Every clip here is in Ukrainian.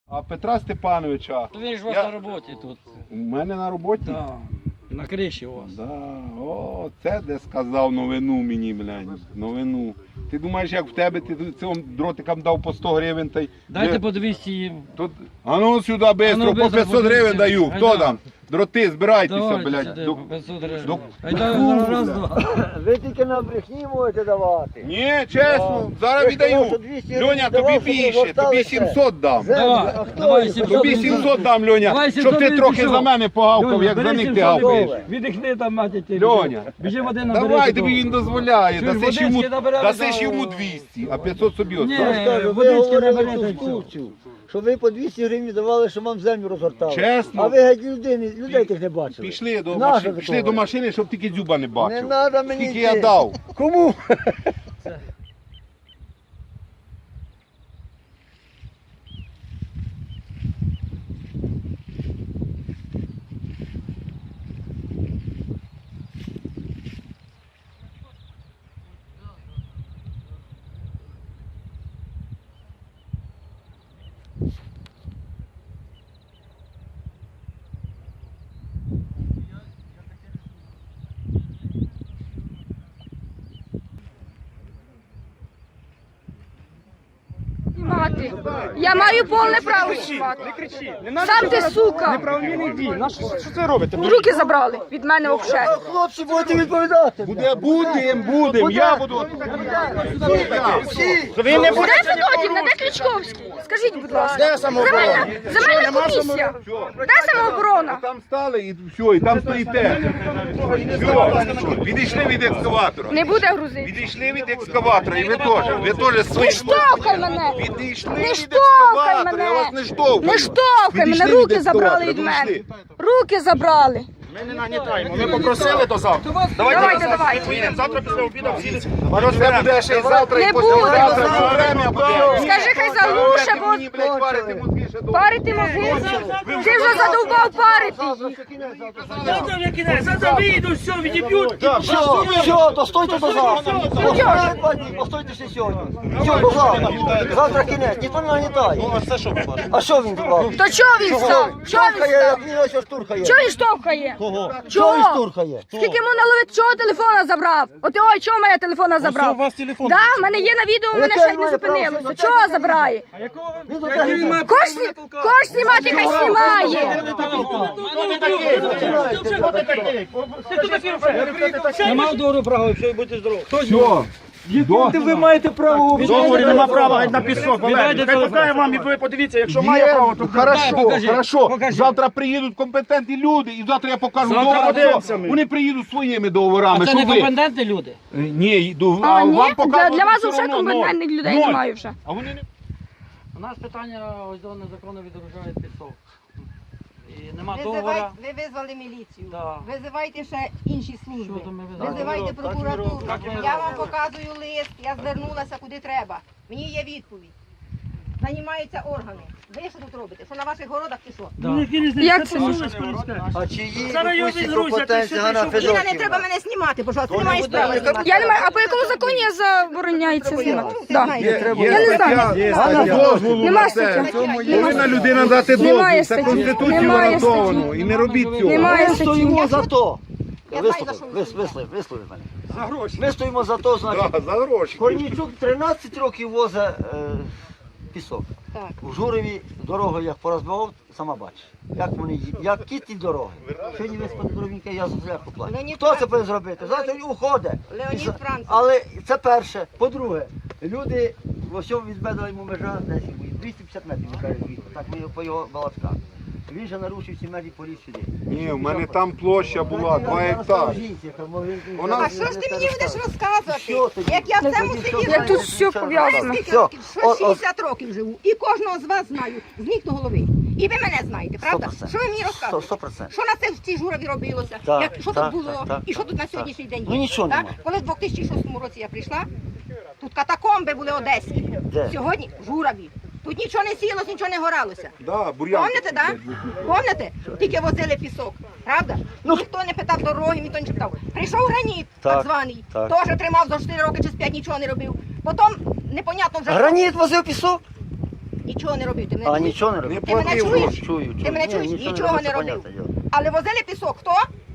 А Петра Степановича, То він ж у вас на роботі тут. у мене на роботі? Да. На криші у вас. Да. О, це де сказав новину мені, блядь, новину. Ти думаєш, як в тебе, ти цим дротикам дав по 100 гривень та й... Дайте по 200 їм. Тут... А ну сюди швидко, по 500 гривень даю. Хто там? Дроти, збирайтеся, блядь. Сюди, по 500 гривень. до- Айда, раз, два. Ви тільки на брехні можете давати. Ні, чесно, зараз Ви ж казали, віддаю. що 200 гривень Льоня, давав, тобі щоб більше, тобі розгортали 700 дам. Давай, А хто давай їх? 700. Тобі 700 дам, Льоня, Давай щоб 700 ти трохи пішов. за мене погавкав, Льоня, як за бери них ти 700 гавкаєш. гривень. Віддихни там, мати ті. Льоня, Біжи води на давай, тобі він дозволяє, Чуєш, дасиш йому, водички набирали, дасиш да, йому о. 200, а 500 собі Ні. оставиш. Я ж кажу, ви водички говорили наберете, і конструкцію, що ви по 200 гривень давали, що вам землю розгортали. Чесно. А ви геть людей тих не бачили. Пішли до Нащо машини, ви пішли того? до машини, щоб тільки дзюба не Не бачив. треба мені Скільки йти. я дав. Кому? Знімати. Я маю повне право знімати. Сам ти, сука. Неправомірний дій. Що це робите? Руки забрали від мене взагалі. Хлопці, будете відповідати. Будем, я буду. Ви не Де Федотівна, де Кличковський? Скажіть, будь ласка. Де самооборона? Земельна комісія. Де самооборона? Там стали і все, і там стоїте. Все, відійшли від екскаватора. Не буде грузити. Відійшли від екскаватора, і ви теж Не свої. штовхай мене. Відійшли Не від штовхай екскаватора, я вас мене. не штовхаю. Не штовхай Відійшли мене. від Руки забрали екскаватора, від мене. відійшли. Руки забрали. Ми не нагнітаємо. Ми попросили до завтра. Давайте. Поїдемо завтра після обіду всі. Воно це буде ще й завтра, Не і післязавтра, буде. все время буде. Скажи, хай заглуше, бо Мені, блядь, парити мозги ще довго. парити мозги. Ти вже задовбав парити їх. Все, то стойте до завтра. Постойте ще сьогодні. Все, до завтра. Завтра кінець, ніхто не нагнітає. А що він зробив? То чого він став? Чого він Штурхає, став? як він ось штурхає. Чого він штовхає? Чого він штурхає? Скільки йому наловить, чого телефона забрав? От ой, чого мене телефона забрав? у вас телефон. Да, в мене є на відео, в мене Яке ще й не має право зупинилося. знімати? Чого забирає? Він тут так Кош знімати, хай знімає. Нема доброго права, все, будьте здорові. Все. ви маєте право В договорі нема права на пісок. Віддайте Хай телефон. покаже вам і ви подивіться, якщо має право, то Хорошо. Завтра приїдуть компетентні люди, і завтра я покажу Завтра договор. подивимося ми. Вони приїдуть своїми договорами. А це щоб не ви- компетентні люди? Ні, йду. А, ні? вам показувати Для вас все вже одно компетентних ноль. людей Ноль. немає вже. А вони не... У нас питання ось до незаконно відгружають пісок. І нема Визивай, договора. ви визвали міліцію. Да. Визивайте ще інші служби. Що то ми визиваємо? Визивайте прокуратуру. Так і ми Я вам робимо. показую лист, я звернулася куди треба. Мені є відповідь. Займаються органи. Ви що тут робите? Що на ваших городах чи що? Як це? А чи є якусь компетенція Ганна Іна, не Федотівна? треба мене знімати, пожалуйста. Ти не маєш права знімати. Я не маю, а по якому законі я забороняється знімати? Да. Знаєте. Я не знаю. дозволу Нема на це. статті. Повинна людина дати дозвіл. Немає Це статті. Конституцією Немає гарантовано. статті. І не робіть цього. Немає Ми статті. стоїмо за то. Я знаю, за що ви Вислови мене. За гроші. Ми стоїмо за то, значить, Да, за гроші. Корнійчук 13 років возить пісок. Так. У Журові дорогу як порозбивав, сама бачиш. Як вони як ті дороги. Сьогодні виспати дорогенька, я за зляху плачу. Леонід Хто це Францев. повинен зробити? Завтра він уходить. Леонід Францев. Але це перше. По-друге, люди, ось відбедала йому межа 250 метрів, він каже, звідти. Так ми по його балачках. Він же нарушив всі межі поліз сюди. Ні, в мене там площа була 2 гектари. А що ж ти мені будеш Що розказувати? тоді? Як я в цьому селі Як тут все пов'язано. скільки Все. років? Що 60 років живу. І кожного з вас знаю. З ніг до голови. І ви мене знаєте, правда? 100%. Що ви мені розказуєте? 100%. Що на це в цій Жураві робилося? Так, Як, що так, тут було? так, так, І що тут на так. сьогоднішній день є? Ну, нічого так? нема. Коли в 2006 році я прийшла, тут катакомби були одеські. Де? Сьогодні в Жураві. Тут нічого не сілося, нічого не горалося. Да, бур'ян. Помните, так? Помните? Тільки возили пісок, правда? Ніхто не питав дороги, ніхто не питав. Прийшов граніт, так Так, званий, так. теж тримав за 4 роки чи з 5 нічого не робив. Потім непонятно вже. Граніт возив пісок? Нічого не робив. Ти мене А чуєш? нічого не Не робив? Ти мене платив чуєш? гроші. Чую. Ти мене Ні, чуєш? Нічого не це робив. понятне діло. Але возили пісок хто?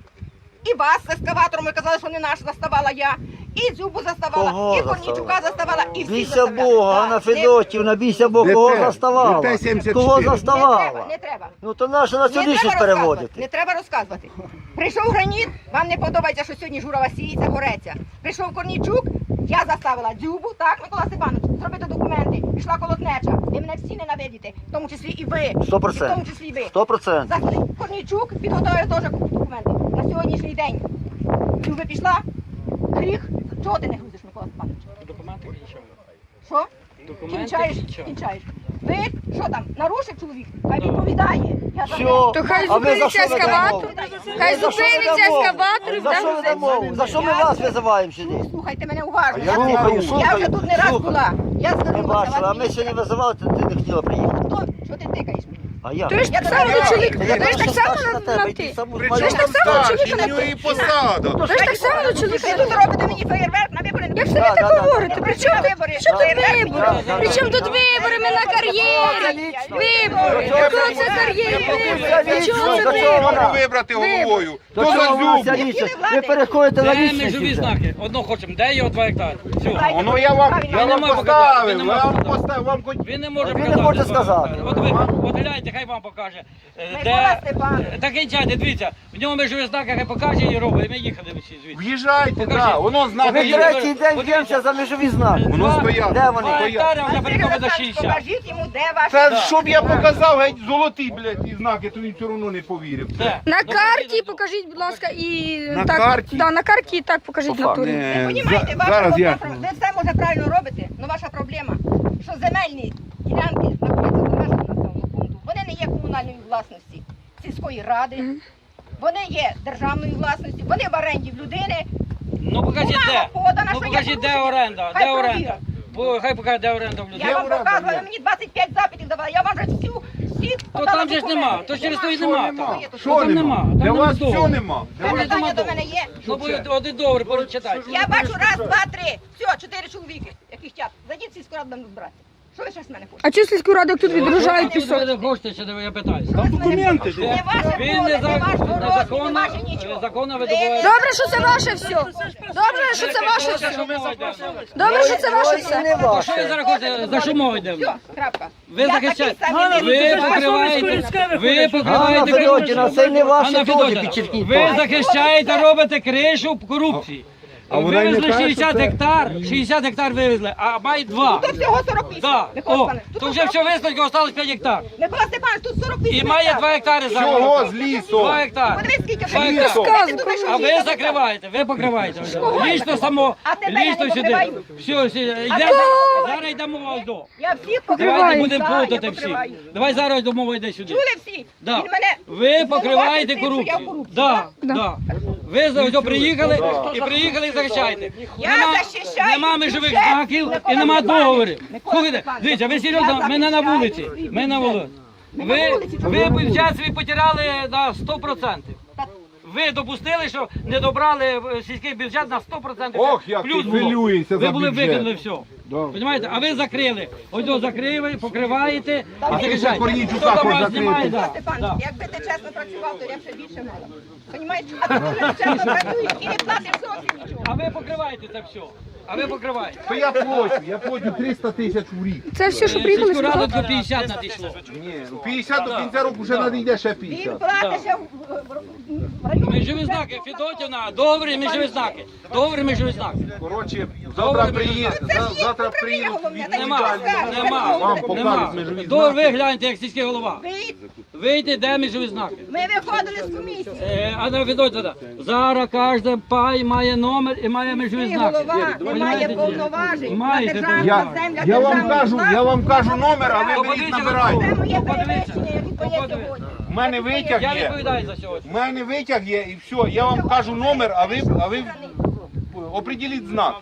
І вас з ескаватором, ви казали, що не наш, заставала я. І Дзюбу заставала, Кого і Корнійчука заставала, і всі Бійся заставляли. Бога, Так, Ганна не- Федотівна, бійся Бога, Не кого те, заставала? не те 74. Кого Не треба, заставала? не треба. Ну то наша Не націоналістність треба розказувати, переводити. не треба розказувати. Прийшов Граніт, вам не подобається, що сьогодні журова сіється, гореться. Прийшов Корнійчук, я заставила Дзюбу, так, Микола Степанович, зробити документи. Пішла колотнеча. Ви мене всі ненавидите, в тому числі і ви. 100%. І в тому числі і ви. 100%. Корнійчук підготовив теж документи на сьогоднішній день. Дзюба пішла, гріх. Чого ти не грузиш, Микола Степанович? Документи кінчаю. Що? Документи Кінчаєш? кінчаю. Кінчаєш. Ви, що там, нарушив чоловік? Хай відповідає. Я за Все. це. То хай А ми за зупиниться що ведемо ескаватор. мову? Хай За що зупиниться ведемо мову? ескаватор і За що буде ведемо мову? За що ми вас визиваємо сюди? Слухайте мене уважно. Я Слухаю, Я слухаю, вже тут не раз слухаю. була. Я Не звернулася. бачила, а ми ще не визивали, ти не хотіла приїхати. Що ти тикаєш мені? А я? Ти ж так Я само тебе до чоловіка, Я ти ж так більше само старший на тебе, ти. йди саму Ти ж бачиш. так само до чоловіка в на нього і ти. посада. Ти ж так само до Ви чоловіка тут на ти. робите мені феєрверк на вибори. Як це ви Да, так да, да. говорите? При чому тут вибори? що тут Феєрверк мені вибори? робите. При чому тут вибори? Ми на кар'єрі. Вибори. Якого це кар'єрі? При чому До це чого вона? вибори? Вибрати головою. До То за чого вона Дзюбу. ця лічність? Ви переходите на Де лічність межові вже. знаки? Одно хочемо, де його 2 гектари? Все. Воно я вам нема показати, поставив, він нема я вам показати. поставив, вам хоч... Він не може Він не показати. хоче 2 сказати. гектари. От гляньте, хай вам покаже. Микола Степанович. Так кінчайте, дивіться. В ньому межові знаки, хай покаже і робить. І ми їхали всі звідси. В'їжджайте, Покажіть. так, воно Ми знаки є. третій день б'ємося за межові знаки. Воно стоять. Де вони? 2 гектари, а вже перекопи до 60. Покажіть йому, де ваш... Це щоб я показав геть золоті, блядь, і знаки, то він все одно не повірив. Де? На Ну, карті покажіть, будь ласка, і На так. карті? Да, на карті і так покажіть на турі. Понімаєте, ваша Зараз я... проблема, ви все може правильно робите, але ваша проблема, що земельні ділянки знаходяться за межами населеного пункту. Вони не є комунальної власності сільської ради, вони є державної власності, вони в оренді в людини. Ну покажіть Бумага де. подана, Ну що є покажіть де порушення. оренда. Хай Де оренда? провірять. Хай покаже, де оренда в людей. Я вам оренда, показувала, є. ви мені 25 запитів давали, я вам вже всі То подала там же ж документи. нема, то через то і Що нема. нема? там. Що Там нема? Там Для вас договору. все нема. Для Це вас- питання до мене є. Ну бо один договір прочитайте. Я бачу раз, два, три. Все, 4 чоловіки, яких тят. Зайдіть в сільську раду нам збирати. Що ви ще з мене хочете? А чи сільську раду як тут відгружають пісок? Ви не хочете, ще я питаюся. Там документи ж. Не ваше Він поле, не ваш город, не незаконно, ваше нічого. законно Ви видобуваєте. Добре, що це ваше все. Добре, що це ваше все. Добре, що це ваше Ой, все. не То що ви ваше. зараз хочете, за що мова йде? Все, крапка. Ви Я захищаєте, такий самий ви вирішую. покриваєте, ви Ганна покриваєте Федотівна, це не ваше Ганна теж Федотівна, підчеркніть. ви захищаєте, робите кришу корупції. А вона й не Вивезли каже, 60 що це- гектар, 60 гектар вивезли, а мають 2. Тут всього 48. Да. Микола О, Степанович, тут то вже все 48. висновки, осталось 5 гектар. Микола Степанович, тут 48 І має 2 гектари зараз. Чого з лісу? 2 гектари. Подивись, скільки Два вже гектари. лісу. А ви закриваєте, ви покриваєте. Лічно само, А тебе я лічно не сюди. покриваю. Все, йде, зараз йдемо ось до. Я всіх Давайте покриваю. будемо Да, я плутати всі. покриваю. Давай зараз до мови йде сюди. Чули всі? Да. Він мене Ви покриваєте звинуватив тим, що я в корупцію. корупції, Да, да. Ви за приїхали і приїхали і захищаєте. Я Нема, захищаю нема межових бюджет знаків і Микола нема Степанович. договорів. Микола Слухайте, Степанович, дивіться, ви я серйозно, ми не на захищаю вулиці. свій Ми на бюджет. вулиці. Ми на вулиці, Ви чого? бюджет свій потеряли на 100%. Ви допустили, що не добрали сільський бюджет на 100%. Ох, як плюс ти було. хвилюєшся Ви за були бюджет. викинули все. Понимаєте? А ви закрили. Ось його закрили, покриваєте і захищаєте. Корнійчука Хто там хоч вас закрити. знімає, Микола да. Степанович, якби ти чесно працював, то я б ще більше мала. Понімаєш? А ти дуже чесно працюєш і не платиш зовсім нічого. А ви покриваєте це все. А ви покриваєте. То я плачу 300 тисяч в рік. Це все, що приїхали Сільську раду сказати? до 50 надійшло. Ні, 50 до кінця року вже надійде ще Він 50. платить ще в районі. Межові знаки, Федотівна, договори межові знаки. Договори межові знаки. Коротше, завтра приїдуть, Це ж є завтра управління приїдуть головне, так Нема, і скажуть. нема, Вам покажуть нема. межові Договір знаки. ви гляньте, як сільський голова. Вийти, де межові знаки. Ми виходили з комісії. Анна Федотівна, зараз кожен пай має номер і має межові Ти знаки. голова не має повноважень на Маєте державну Я, землю. я вам кажу номер, а ви беріть Подивіться, набирайте. Це моє Подивіться. перевищення, яке є Подивіться. сьогодні. У мене витяг Я є. відповідаю за сьогодні. У мене витяг є і все. Я вам кажу номер, а ви определіть знак.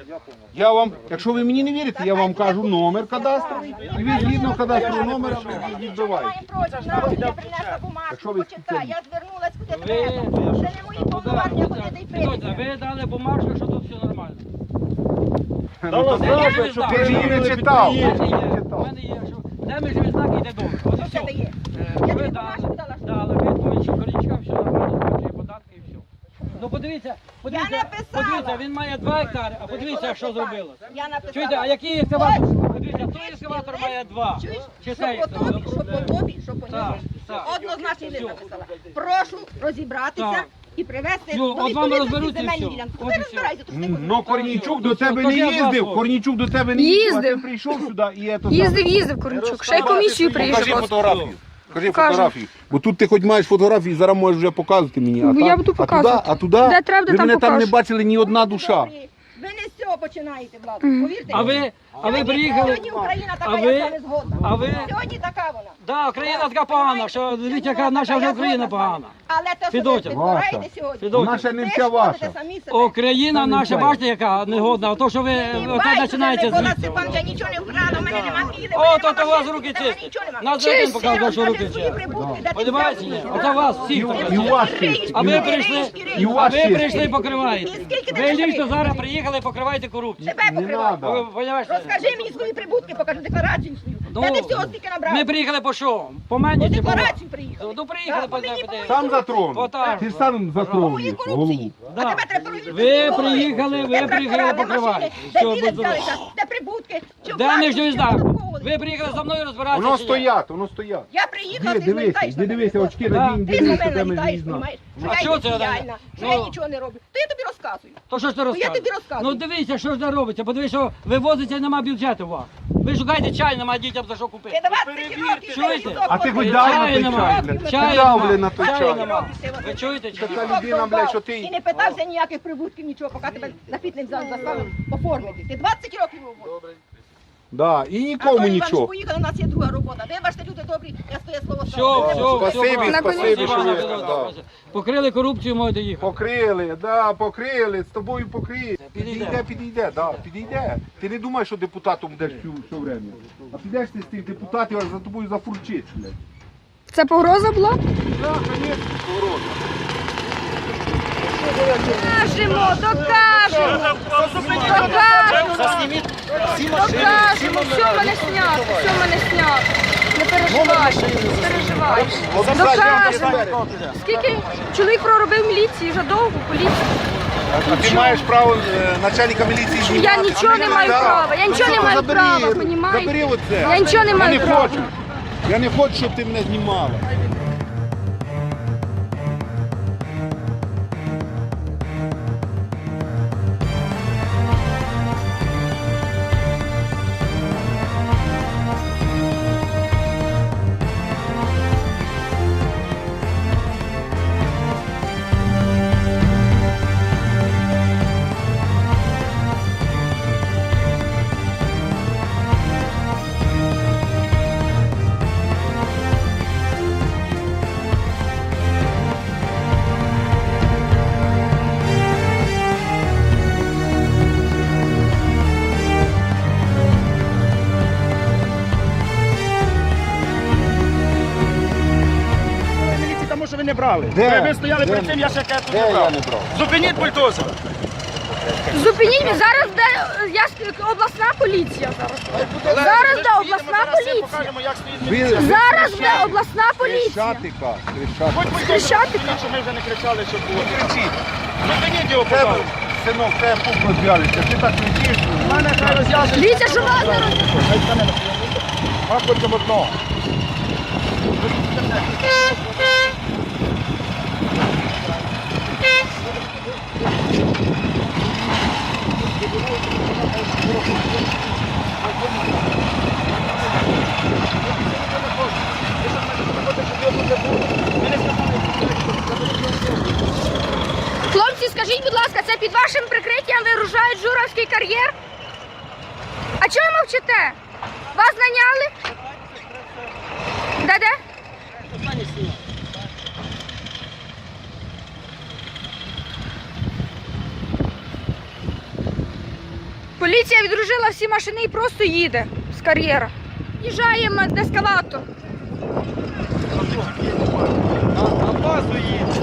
Я вам, якщо ви мені не вірите, я вам кажу номер кадастровий, і ви згідно кадастрового номера відбиваєте. Я принесла бумажку, почитай. Я звернулась куди Ви- треба. Це не мої повноваження ходити і Федотівна, прийти. ви дали бумажку, що тут все нормально. Ти ж її не читав. У мене є, у мене є, що Де межовий знак йде добре. От і Що в тебе все. є? Ви Я тобі дали, бумажку дала, що дали відповідь, що Корнічка все нормально сплачує податки і все. Ну подивіться, написала. подивіться, він має 2 гектари, а подивіться, що зробилося. Я написала. Чуєте, а який екскаватор? Подивіться, той екскаватор має 2. Чуєш? Чи Що цей по тобі, що екскаватор? по тобі, що по Так, ньому. так. Однозначно лист написала. Прошу розібратися Так. і привести Ну, от вам відповідності розберуться і земельні все. ділянки. От Ти і все. розбирайся, то ж ти Ну, Корнійчук до тебе То не я їздив, вас- Корнійчук до тебе не їздив, а ти Їздив. прийшов сюди і це Їздив Корнічук. Ще й комісію Покажи приїжджав. фотографію. Покажи Покажу. фотографію. Бо тут ти хоч маєш фотографії, зараз можеш вже показувати мені. Бо я там- буду а показувати. туди, Де треба, де ви там мене там не покажу. бачили ні одна душа. Ви не з цього починаєте, Влад. Повірте. А ви приїхали, Сьогодні Україна така, а я ви- з вами згодна. а ви- Сьогодні така вона. Да, Україна така погана, що дивіться, яка наша вже Україна погана. Але то, що Федотя, ви ваша. підбираєте сьогодні, Федотя. Наша не ви вся шкодите ваша. самі себе. Україна наша, бачите, яка негодна, а то, що ви оце починаєте звідси. Степан, я нічого не вкрала, у мене нема міли, О, то у вас руки чисті. Нас за один показував, що руки чисті. Подиваєте, ні? Оце вас всіх І у показує. вас чисті. А ви прийшли, І у а вас ви чисті. прийшли і покриваєте. Ви лічно зараз приїхали і покриваєте корупцію. Тебе покриваю. надо. Ви розумієте? Розкажи мені свої прибутки, покажи декларацію свою. Де ти всього стільки набрав? Ми приїхали по що? По мені По чи по вас? декларацію приїхали. Ну приїхали Да, по по мені, по подивитися. Сам затронув. Отак. Ти ж сам затронув Мої їх, голову. корупції. А Да. тебе треба перевірити. Ви голови. приїхали, ви Де приїхали прапора, де покривати. машини, Все, Де біли будь здоров. взялися, де прибутки. Чи Де власність, міжній чи знак? податково. Ви приїхали за мною розбиратися. Воно чи ні? стоять, воно стоять. Я приїхала, Іди, ти дивися, злетаєш іди на дивися, мене. очки Да. надінь, Ти дивися, на де мене ми літаєш, візьмемо. понімаєш? Що А я що це є таке? діяльна, що Ну. я нічого не роблю. То я тобі розказую. То що ж ти я розказуєш? тобі розказую. Ну дивіться, що ж це робиться. Подивіться, що ви возите, нема бюджету у вас. Ви шукаєте чай, нема дітям за що купити. Ти 20 років Чуєте? цей А ти лісок хоч дай на Чаю той нема. чай, блядь. Чаю Ти дав, нема. блядь, на той Чаю чай. нема. Ви чуєте чи ні? Така людина, блядь, що ти... І не питався ніяких прибутків, нічого, поки тебе на фітнес зал заставив оформити. Ти 20 років його. Да, і А нікому то Іван нічого. поїхав, у нас є друга робота. Ви бачите, люди добрі, я своє слово Все, ставлю. все, Спасибі, все, брат. спасибі, що ви... Спасибо, да. Покрили корупцію, можете їхати. Покрили, да, покрили, з тобою покрили. Підійде. Підійде, да, підійде. Ти не думаєш, що депутатом будеш все время. А підеш ти з тих депутатів, аж за тобою зафурчить, блядь. Це погроза була? Да, конечно, погроза. Докажемо, докажемо. Докажемо. Докажемо, все в мене знято, все в мене знято. Не переживай, не переживай. Докажемо. Скільки чоловік проробив в міліції, вже довго в поліції. А ти маєш право начальника міліції знімати? Я нічого не маю права, я нічого не маю права, понімаєте? Забери оце. Я нічого не маю не права. хочу. Я не хочу, щоб ти мене знімала. Міліції, тому що ви не брали. Де? Ви стояли Де? перед тим, я ще кажу, Де не я брав. не брав? Зупиніть бульдозер. Зупиніть, зараз де обласна поліція зараз. Зараз де обласна поліція. Покажемо, як стоїть Ви- міліція. Зараз де обласна поліція. Хрещатика, хрещатика. Хоч бульдозер Кричати, зупиніть, щоб ми вже не кричали, що було. Кричіть. Зупиніть його, Тебе, пожалуйста. синок, тебе пуп розв'яжеться. Ти так кричиш. У мене хай розв'язує. Дивіться, що вас не роз... А хочемо одного. Хлопці, скажіть, будь ласка, це під вашим прикриттям вигружають Журавський кар'єр? А чого ви мовчите? Вас наняли? Де-де? Поліція відружила всі машини і просто їде з кар'єра. Їжджаємо на ескалатор. На базу їдь.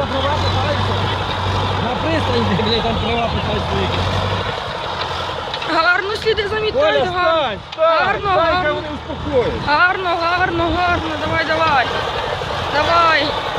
за права питаються. На пристані, блядь, там права питають свої. Гарно сліди замітають, гарно. Гарно, гарно. Гарно, гарно, гарно. Давай, давай. Давай.